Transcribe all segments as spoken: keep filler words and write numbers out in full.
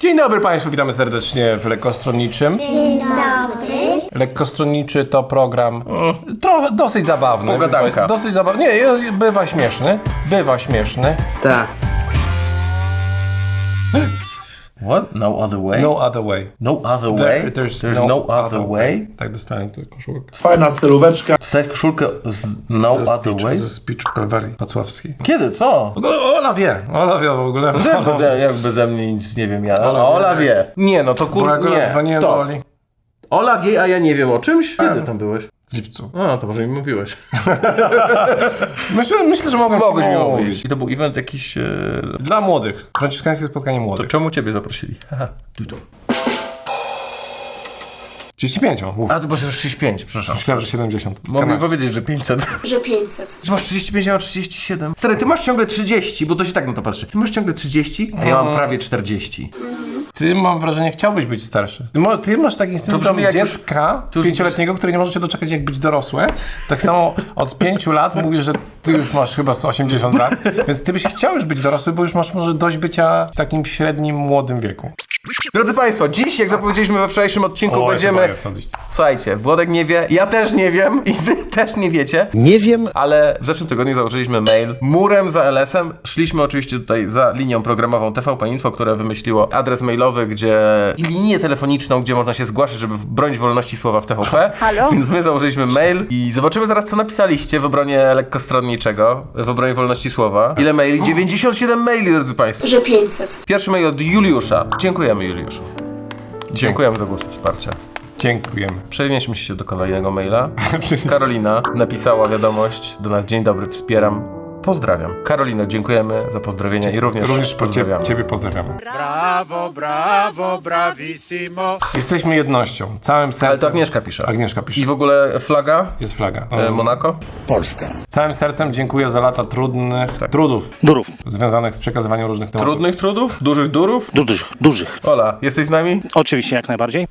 Dzień dobry Państwu, witamy serdecznie w Lekkostronniczym. Dzień dobry. Lekkostronniczy to program trochę, dosyć zabawny. Pogadanka. Dosyć zabawny. Nie, bywa śmieszny. Bywa śmieszny. Tak. What? No other way? No other way. No other There, way? there's, There's no, no other way? Tak dostałem tę koszulkę. Fajna stylóweczka. Dostałeś koszulkę z no Ze other speech, way? ze speech w Kalwarii Wacławskiej. Kiedy? Co? O, Ola wie, Ola wie w ogóle. Jak beze, jak beze mnie nic nie wiem ja. Ola Ola, Ola wie. wie. Nie, no to Bo kurde, akurat nie. dzwoniłem do Stop. Oli Ola wie, a ja nie wiem o czymś? Kiedy tam byłeś? w lipcu. A, to może mi mówiłeś. Myślę, myślę że mogłem Mogłeś ci mi mówić. mówić. I to był event jakiś... E... Dla młodych. Franciszkańskie spotkanie To młodych. czemu ciebie zaprosili? Haha, tu to. trzydzieści pięć mam. Mów. A, to było trzydzieści pięć, przepraszam. Myślałem, że siedemdziesiąt. Mogę Kanaście. powiedzieć, że pięćset. Że pięćset. Ty masz trzydzieści pięć, ja mam trzydzieści siedem. Stary, ty masz ciągle trzydzieści, bo to się tak na to patrzy. Ty masz ciągle trzydzieści, a ja mam prawie czterdzieści. Ty, mam wrażenie, chciałbyś być starszy. Ty, mo- ty masz taki syndrom brzmi jak już- dziecka to już- pięcioletniego, który nie może się doczekać, jak być dorosłe. Tak samo od pięciu lat mówisz, że ty już masz chyba z osiemdziesiąt lat, więc ty byś chciał już być dorosły, bo już masz może dość bycia w takim średnim, młodym wieku. Drodzy Państwo, dziś, jak zapowiedzieliśmy we wczorajszym odcinku, O, ja się będziemy... boję wchodzić. Słuchajcie, Włodek nie wie, ja też nie wiem i wy też nie wiecie. Nie wiem. Ale w zeszłym tygodniu założyliśmy mail murem za L S em. Szliśmy oczywiście tutaj za linią programową T V P Info, które wymyśliło adres mailowy, gdzie i linię telefoniczną, gdzie można się zgłaszać, żeby bronić wolności słowa w T V P. Halo? Więc my założyliśmy mail i zobaczymy zaraz, co napisaliście w obronie lekkostronniczego, w obronie wolności słowa. Ile maili? dziewięćdziesiąt siedem maili, drodzy Państwo. Że pięćset. Pierwszy mail od Juliusza. Dziękujemy, Juliuszu. Dziękujemy za głosy wsparcia. Dziękujemy. Przenieśmy się do kolejnego maila. Karolina napisała wiadomość do nas. Dzień dobry, wspieram. Pozdrawiam. Karolino, dziękujemy za pozdrowienia i również, Również pozdrawiamy. Ciebie pozdrawiamy. Brawo, brawo, bravissimo. Jesteśmy jednością, całym sercem. Ale to Agnieszka pisze. Agnieszka pisze. I w ogóle flaga? Jest flaga. E, Monako? Całym sercem dziękuję za lata trudnych trudów Durów. związanych z przekazywaniem różnych tematów. Trudnych trudów? Dużych durów? Dużych, dużych. Ola, jesteś z nami? Oczywiście, jak najbardziej.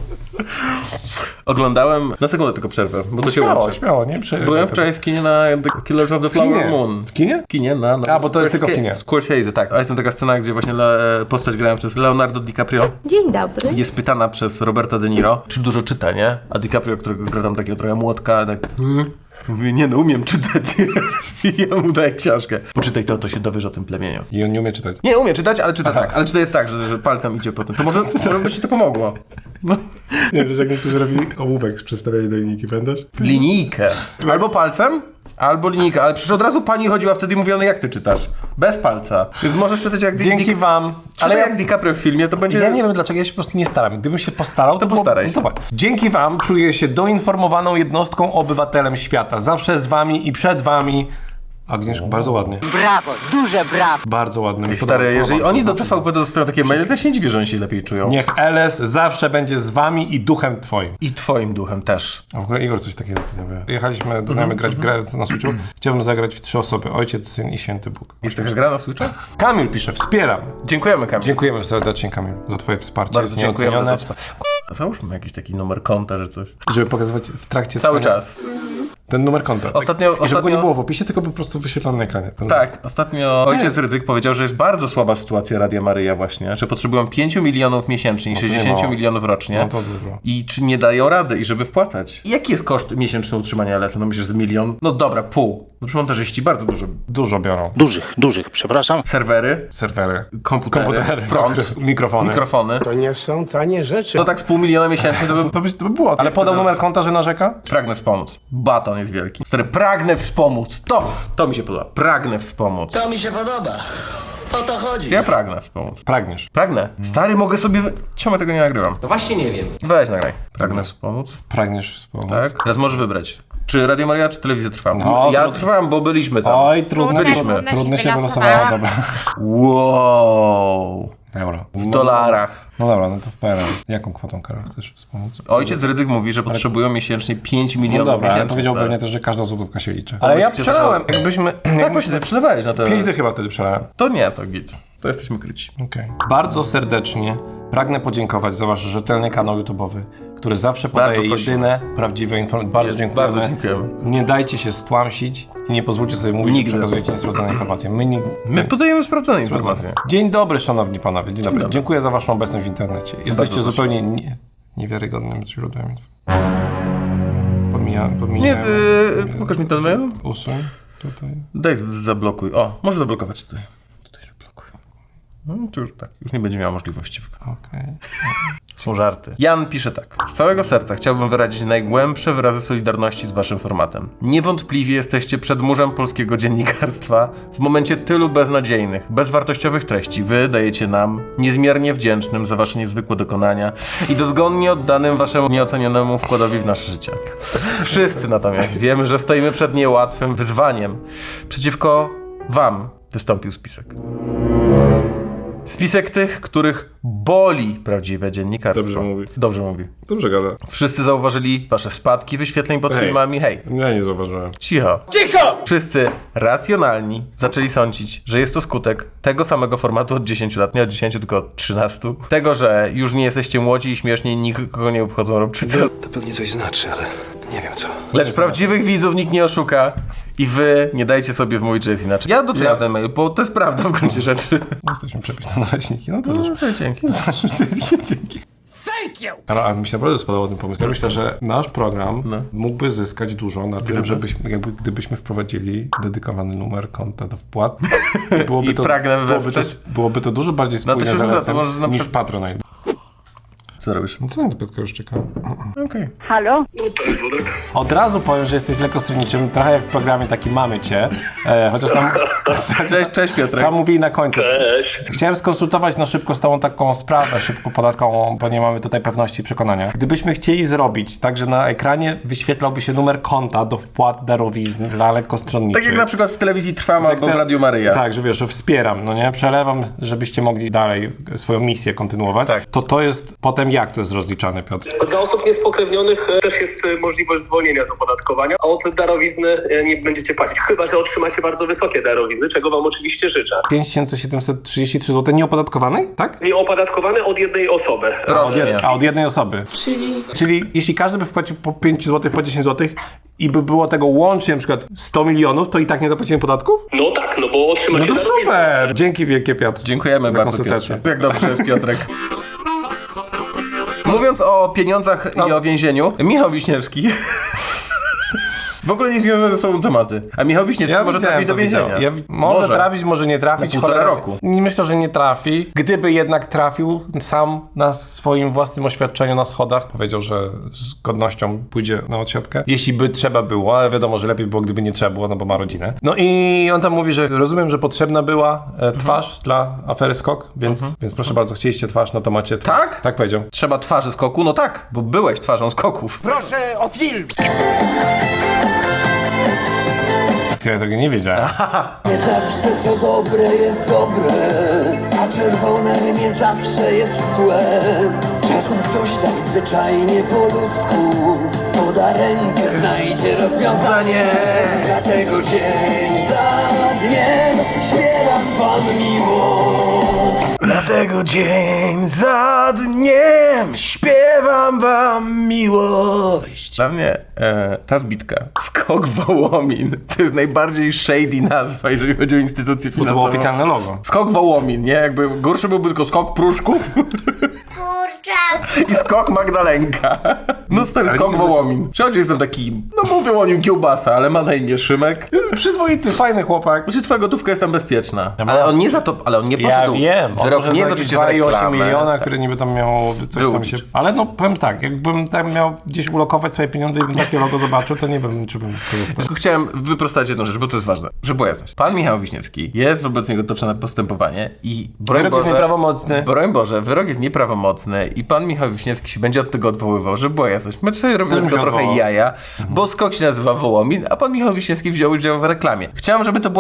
Oglądałem... Na sekundę tylko przerwę, bo to się Śmiało, łączy. śmiało, nie? Prze- Byłem wczoraj w kinie na The Killers of the Flower kinie? Moon. W kinie? W kinie, na... na A, bo to jest tylko w kinie. Scorsese, tak. A jest tam taka scena, gdzie właśnie le, postać grałem przez Leonardo DiCaprio. Dzień dobry. Jest pytana przez Roberta De Niro, czy dużo czyta, nie? A DiCaprio, którego gra tam takiego trochę młotka, tak... Mówi, nie no, umiem czytać. I ja mu daję książkę. Poczytaj to, to się dowiesz o tym plemieniu. I on nie umie czytać. Nie, umie czytać, ale czyta Aha. tak. Ale czyta jest tak, że, że palcem idzie po tym. To może, może by ci to pomogło. No. Nie, wiesz, jak niektórzy robili ołówek z przedstawiania do linijki, pamiętasz? Linijkę. Albo palcem, albo linijkę. Ale przecież od razu pani chodziła wtedy i mówiła, no jak ty czytasz? Bez palca. Więc możesz czytać jak... Di- Dzięki Di- wam. Ale Ale jak DiCaprio w filmie, to będzie... ja nie wiem dlaczego, ja się po prostu nie staram. Gdybym się postarał, to, było- postaraj się. no zobacz. Dzięki wam czuję się doinformowaną jednostką, obywatelem świata. Zawsze z wami i przed wami. Agnieszko, bardzo ładnie. Brawo, duże brawo. Bardzo ładnie. Mi Stary, podoba- jeżeli podoba oni się do zawsze. T V P dostają takie maile, to ja się nie dziwię, że oni się lepiej czują. Niech L S zawsze będzie z wami i duchem twoim. I twoim duchem też. A w ogóle Igor coś takiego ostatnio mówił. Jechaliśmy do znajomych grać w grę na Switchu. Chciałbym zagrać w trzy osoby. Ojciec, syn i święty Bóg. Jest taka gra na Switcha? Kamil pisze, wspieram. Dziękujemy, Kamil. Dziękujemy serdecznie, Kamil, za twoje wsparcie. Bardzo Jest dziękujemy za nieocenione. to. K***a, Załóżmy jakiś taki numer konta, że coś. Żeby pokazywać w trakcie Cały trwania czas. ten numer konta. Ostatnio- I żeby go ostatnio- nie było w opisie, tylko po prostu wyświetlony na ekranie. Ten Tak, ostatnio ojciec Rydzyk powiedział, że jest bardzo słaba sytuacja Radia Maryja właśnie, że potrzebują pięciu milionów miesięcznie i to nie sześćdziesięciu mało. milionów rocznie. No to dużo. I czy nie dają rady i żeby wpłacać. Jaki jest koszt miesięczny utrzymania L S a? No myślisz, że milion? No dobra, pół. No przy montażyści bardzo dużo. Dużo biorą. Dużych, dużych, przepraszam. Serwery, Serwery, komputery, komputery, prąd, mikrofony. mikrofony. To nie są tanie rzeczy. To tak z pół miliona miesięcznie to by... To by, to by było. Ale podał numer konta, że narzeka? Pragnę wspomóc. Baton jest wielki. Stary, pragnę wspomóc. To, to mi się podoba. Pragnę wspomóc. To mi się podoba. O to chodzi. Ja pragnę wspomóc. Pragniesz. Pragnę. Stary, mogę sobie... Wy... Czemu tego nie nagrywam? No właśnie nie wiem. Weź nagraj. Pragnę wspomóc. Pragniesz wspomóc. Tak? Teraz możesz wybrać. Czy Radio Maryja, czy Telewizja Trwa? No, ja trud- trwam, bo byliśmy tam. Oj, trudno, Byliśmy. trudno, trudno się wylosowało, dobra. Wow. Euro. W dolarach. No dobra, no to w P R L. Jaką kwotą, Karol, chcesz wspomóc? Ojciec Rydzyk mówi, że potrzebują miesięcznie pięć No milionów dobra, ale miesięcznie. powiedział stary. pewnie też, że każda złotówka się liczy. Ale ja Właściwie przelałem. Jakbyśmy... Tak jakbyśmy właśnie, ty przelewałeś na to. Pięć dych chyba wtedy przelałem. To nie, to git. To jesteśmy kryci. Okej. Bardzo serdecznie pragnę podziękować za wasz rzetelny kanał YouTube'owy, który zawsze podaje Bardzo prosimy. jedyne prawdziwe informacje. Bardzo Jest- dziękujemy. bardzo dziękujemy. Nie dajcie się stłamsić i nie pozwólcie sobie mówić, Nigdy. że przekazujecie niesprawdzone informacje. My, nie, My podajemy sprawdzone informacje. Dzień dobry, szanowni panowie. Dzień dobry. dobry. Dziękuję za waszą obecność w internecie. Jesteście proszę. zupełnie nie, niewiarygodnym źródłem info. Pomijam, pomijam. Nie, ty, pokaż mi ten mail. Usuń tutaj. Daj, z- zablokuj. O, może zablokować tutaj. Tutaj zablokuj. No to już tak, już nie będzie miała możliwości. Okej. Są żarty. Jan pisze tak. Z całego serca chciałbym wyrazić najgłębsze wyrazy solidarności z waszym formatem. Niewątpliwie jesteście przedmurzem polskiego dziennikarstwa w momencie tylu beznadziejnych, bezwartościowych treści. Wy dajecie nam, niezmiernie wdzięcznym za wasze niezwykłe dokonania i dozgonnie oddanym waszemu nieocenionemu wkładowi w nasze życie. Wszyscy natomiast wiemy, że stoimy przed niełatwym wyzwaniem. Przeciwko wam wystąpił spisek. Spisek tych, których boli prawdziwe dziennikarstwo. Dobrze mówi. Dobrze mówi. Dobrze gada. Wszyscy zauważyli wasze spadki wyświetleń pod Hej. filmami. Hej, Ja nie zauważyłem. cicho. Cicho! Wszyscy racjonalni zaczęli sądzić, że jest to skutek tego samego formatu od dziesięciu lat, nie od dziesięciu, tylko od trzynastu. Tego, że już nie jesteście młodzi i śmieszni, nikogo nie obchodzą robczycy. To pewnie coś znaczy, ale nie wiem co. Lecz prawdziwych widzów nikt nie oszuka i wy nie dajcie sobie wmówić, że jest inaczej. Ja doceniam ten mail, bo to jest prawda w gruncie rzeczy. Jesteśmy przepisane naleśniki. No to też. No, dzięki. Dzięki. Ale, ale mi się naprawdę spodobał ten pomysł. Ja myślę, że nasz program No. mógłby zyskać dużo na tym, żebyśmy, jakby, gdybyśmy wprowadzili dedykowany numer konta do wpłat. Byłoby I pragnę byłoby to, wesprzeć. byłoby to dużo bardziej No to spójne się z rzuca, to L S-em może na niż przykład- Patronite. Co robisz? No co nie, to Piotrka już czeka. Okej. Halo? Od razu powiem, że jesteś lekkostroniczym, trochę jak w programie taki Mamy Cię, e, chociaż tam, Cześć, cześć Piotrek. tam mówili na końcu. Chciałem skonsultować na szybko z tobą taką sprawę szybko podatkową, bo nie mamy tutaj pewności i przekonania. Gdybyśmy chcieli zrobić tak, że na ekranie wyświetlałby się numer konta do wpłat darowizn dla lekkostronniczych. Tak jak na przykład w telewizji Trwam albo w te- Radiu Maryja. Tak, że wiesz, że wspieram, no nie? Przelewam, żebyście mogli dalej swoją misję kontynuować. Tak. To to jest potem jak to jest rozliczane, Piotr? Dla osób niespokrewnionych e, też jest e, możliwość zwolnienia z opodatkowania, a od darowizny e, nie będziecie płacić, chyba że otrzymacie bardzo wysokie darowizny, czego wam oczywiście życzę. pięć tysięcy siedemset trzydzieści trzy złote nieopodatkowanej, tak? Nieopodatkowane od jednej osoby. A od, Rocznie. jed- a od jednej osoby. Czyli Czyli jeśli każdy by wpłacił po pięć złotych, po dziesięć złotych i by było tego łącznie na przykład sto milionów, to i tak nie zapłacimy podatków? No tak, no bo No otrzymacie to darowiznę. super! Dzięki wielkie, Piotr. Dziękujemy za bardzo, konsultację. Piotrze. Jak dobrze jest Piotrek. Mówiąc o pieniądzach i o więzieniu, Michał Wiśniewski... W ogóle nie związane ze sobą tematy. A Michał Wiśniewski może widziałem trafić do to wideo. więzienia. Ja, wi- może, Może. trafić, może nie trafić. Na półtora cholera- roku. Nie myślę, że nie trafi. Gdyby jednak trafił sam na swoim własnym oświadczeniu na schodach, powiedział, że z godnością pójdzie na odsiadkę. Jeśli by trzeba było, ale wiadomo, że lepiej było, gdyby nie trzeba było, no bo ma rodzinę. No i on tam mówi, że rozumiem, że potrzebna była e, twarz Mhm. dla afery Skok, więc, więc proszę bardzo, chcieliście twarz, no to macie twarz. Tak? Tak powiedział. Trzeba twarzy skoku? No tak, bo byłeś twarzą skoków. Ja tego nie wiedziałem. Nie zawsze co dobre jest dobre, a czerwone nie zawsze jest złe. Czasem ktoś tak zwyczajnie po ludzku poda rękę, znajdzie rozwiązanie. Dlatego dzień za dniem śpiewam wam miłość. Dlatego dzień za dniem śpiewam wam miłość. Dla mnie e, ta zbitka, Skok Wołomin, to jest najbardziej shady nazwa, jeżeli chodzi o instytucję Bo to finansową. było oficjalne logo. Skok Wołomin, nie? Jakby gorszy byłby tylko Skok Pruszków i Skok Magdalenka. No stary, Skok Wołomin. Przychodzi, jestem taki, no mówią o nim kiełbasa, ale ma na imię Szymek. Jest przyzwoity, fajny chłopak. Znaczy twoja gotówka jest tam bezpieczna. Ale on nie za to, ale on nie Ja poszedł. wiem, on Wyrok może nie za jest jakieś oczywiście dwa za i osiem reklamę. miliona, Tak. które niby tam miało coś tam Wyłudzić. się... Ale no powiem tak, jakbym tam miał gdzieś ulokować swoje pieniądze i bym takie logo zobaczył, to nie wiem, czy bym skorzystał. Tylko chciałem wyprostować jedną rzecz, bo to jest ważne, żeby była jasność. Pan Michał Wiśniewski, jest wobec niego toczone postępowanie i broń Wyrok Boże, jest nieprawomocny. Broń Boże, wyrok jest nieprawomocny i pan Michał Wiśniewski się będzie od tego odwoływał, żeby była jasność. My sobie robimy Też tylko mi się trochę odwołał. jaja, bo Skok się nazywa Wołomin, a pan Michał Wiśniewski wziął udział w reklamie. Chciałem, żeby to była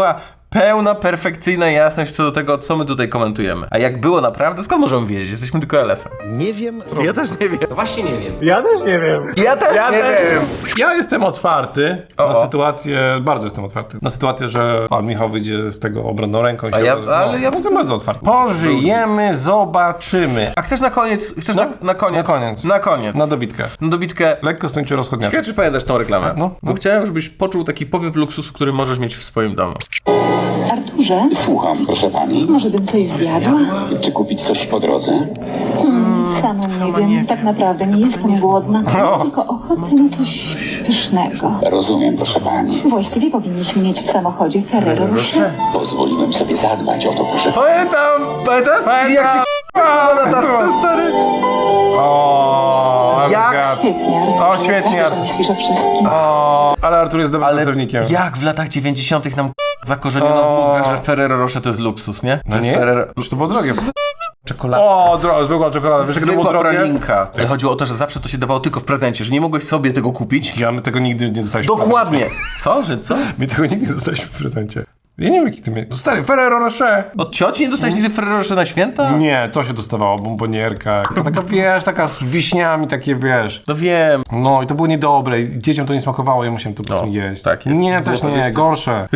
Pełna, perfekcyjna jasność co do tego, co my tutaj komentujemy. A jak było naprawdę, skąd możemy wiedzieć? Jesteśmy tylko L S em. Nie wiem. Ja też nie wiem. No właśnie nie wiem. Ja też nie wiem. Ja też Ja nie też- wiem. Ja jestem otwarty O, na o. sytuację, bardzo jestem otwarty, na sytuację, że pan Michał wyjdzie z tego obronną ręką. i A się ja- okaże- ale ja- jestem bardzo otwarty. Pożyjemy, zobaczymy. A chcesz na koniec? Chcesz No, na, na koniec? na koniec. Na koniec. Na dobitkę. Na dobitkę. Lekko stończy rozchodniaczek. Ciekawe, czy pamiętasz tą reklamę? No, no. Bo chciałem, żebyś poczuł taki powiew luksusu, który możesz mieć w swoim domu. Arturze, Słucham, proszę pani. może bym coś zjadła? Czy kupić coś po drodze? Hmm, sama nie wiem. Tak naprawdę nie jestem głodna, tylko ochotę na coś pysznego. Rozumiem, proszę pani. Właściwie powinniśmy mieć w samochodzie Ferrero Rocher. Pozwoliłem sobie zadbać o to, proszę. Pamiętam! Pamiętasz? Pamiętam. Jak się k***a na tarce, stary? O, ale Jak? zgadł. Świetnie, Arturze. O, świetnie, Jak ty Artur. myślisz o wszystkim? O, ale Artur jest dobrym pracownikiem. jak w latach dziewięćdziesiątych nam zakorzeniono w O. mózgach, że Ferrero Rocher to jest luksus, nie? No Że nie jest? Ferrero... Już to było drogie. Czekolada. O, dro- zwykła czekolada. Wiesz, jak to było Zwykła drogie? pralinka. Ale chodziło o to, że zawsze to się dawało tylko w prezencie, że nie mogłeś sobie tego kupić. Ja my tego nigdy nie dostaliśmy. w Dokładnie. Co? Że co? prezencie. My tego nigdy nie dostaliśmy w prezencie. Ja nie wiem, jaki ty miałeś. No stary, Ferrero Rocher. Od cioci nie dostałeś nigdy Ferrero Rocher na święta? Nie, to się dostawało, bombonierka. Taka, wiesz, taka z wiśniami, takie, wiesz. No wiem. No i to było niedobre. i Dzieciom to nie smakowało, ja musiałem to potem No, jeść. tak jest. Nie, też Złoto nie, jest- gorsze.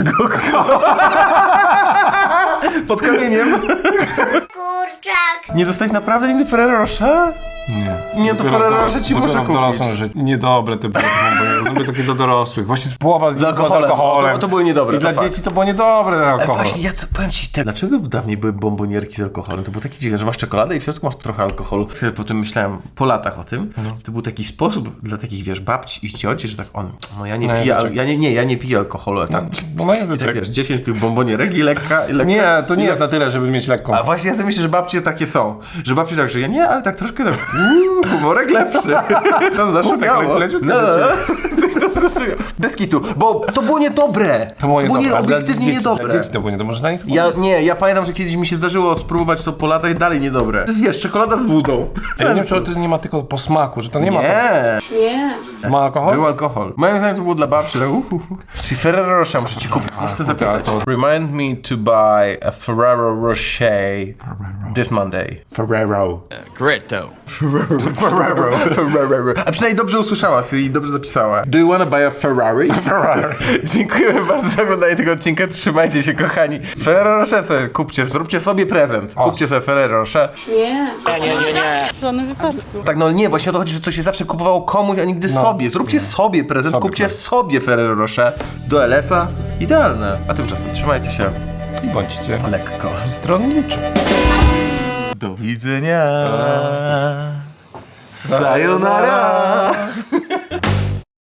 Pod kamieniem. Kurczak. Nie dostałeś naprawdę nigdy Ferrero Rocher? Nie. Nie, to Dopiero Ferrero w Rocher ci dopiero muszę w kupić. dorosłym życiu. Niedobre te bombonierki. Były takie do dorosłych. Właśnie z połowa z, Z alkoholem. z alkoholem. O, to- to były niedobre, I to dla fakt. dzieci to było niedobre ten Ale alkohol. właśnie, ja co, powiem ci, te, dlaczego dawniej były bombonierki z alkoholem? To było takie dziwne, że masz czekoladę i w środku masz trochę alkoholu. Sobie po tym myślałem po latach o tym. To był taki sposób dla takich, wiesz, babci i cioci, że tak on, no ja nie Na piję, al- języczek. ja nie, nie, ja nie piję alkoholu. a Tak, No na I tak języczek. wiesz, dziesięć tych bombonierek i lekka, i lekka. Nie, to nie i jest na tyle, żeby mieć lekką. A właśnie ja sobie myślę, że babcie takie są. Że babcie tak, że ja nie, ale tak troszkę tak, uuu, humorek lepszy. Tam zaszukało. tak leciutkie No, rzeczy. coś tam zaszukało. Bez kitu, bo to było niedobre. To było niedobre. nie, a dla obiektywnie dzieci, niedobre. Dla dzieci to było niedobre. Może na nic Ja nie, ja pamiętam, że kiedyś mi się zdarzyło spróbować to po latach i dalej niedobre. To jest, wiesz, czekolada z wódą. Ja nie wiem, czy to nie ma tylko po smaku, że to nie ma. Nie, Nie. Ma alkohol? był alkohol. Moim zdaniem to było dla babci. Tak, uh, uh, uh. Czyli Ferrero Rocher muszę ci kupić, muszę sobie zapisać. Remind me to buy a Ferrero Rocher this Monday. Ferrero. Gretto. Ferrero. Ferrero. A przynajmniej dobrze usłyszała Siri i dobrze zapisała. Do you wanna buy a Ferrari? Ferrari. Dziękujemy bardzo za oglądanie tego odcinka. Trzymajcie się, kochani. Ferrero Rocher sobie kupcie, zróbcie sobie prezent. Kupcie sobie Ferrero Rocher. Nie. Tak, no nie, właśnie o to chodzi, że to się zawsze kupowało komuś, a nigdy sobie. Zróbcie sobie prezent, Sobie kupcie prezent. sobie Ferrero Rocher do L S a. Idealne. A tymczasem trzymajcie się I bądźcie lekko. stronniczy. Do widzenia. Sayonara.